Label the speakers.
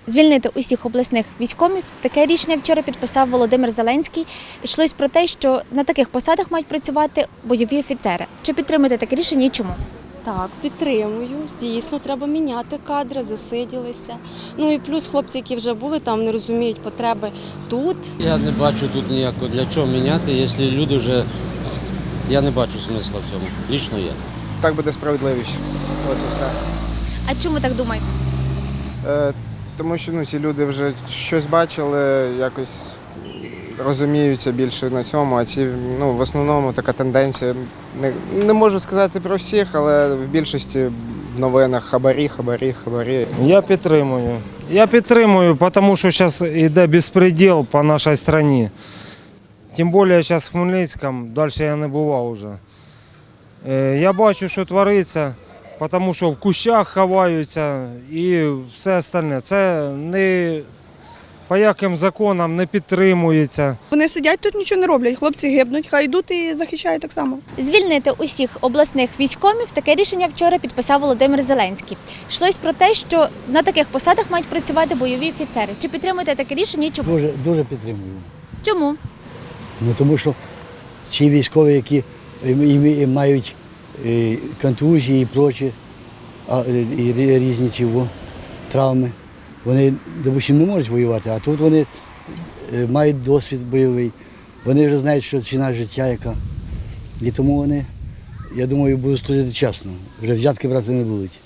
Speaker 1: Звільнити усіх обласних військомів – таке рішення вчора підписав Володимир Зеленський. Йшлось про те, що на таких посадах мають працювати бойові офіцери. Чи підтримуєте таке рішення і чому?
Speaker 2: Так, підтримую. Дійсно, треба міняти кадри, засиділися. Ну і плюс хлопці, які вже були там, не розуміють потреби тут.
Speaker 3: Я не бачу тут ніякого, для чого міняти, якщо люди вже, я не бачу смисла в цьому, лічно я.
Speaker 4: Так буде справедливіше. От і все.
Speaker 1: А чому так думаєте?
Speaker 4: Тому що ці люди вже щось бачили, якось розуміються більше на цьому, а ці в основному така тенденція. Не можу сказати про всіх, але в більшості в новинах хабарі.
Speaker 5: Я підтримую, тому що зараз йде безпреділ по нашій країні. Тим більше зараз в Хмельницькому, далі я не бував вже. Я бачу, що твориться, тому що в кущах ховаються і все остальне. Це не по яким законам не підтримується.
Speaker 6: Вони сидять тут, нічого не роблять, хлопці гибнуть, хай йдуть і захищають так само.
Speaker 1: Звільнити усіх обласних військомів – таке рішення вчора підписав Володимир Зеленський. Йшлось про те, що на таких посадах мають працювати бойові офіцери. Чи підтримуєте таке рішення і чому?
Speaker 7: Дуже підтримую.
Speaker 1: Чому?
Speaker 7: Тому що ці військові, які мають контузії і прочі, і різні травми, вони, допустим, не можуть воювати, а тут вони мають досвід бойовий, вони вже знають, що ціна життя яка. І тому вони, я думаю, будуть служити чесно, вже взятки брати не будуть.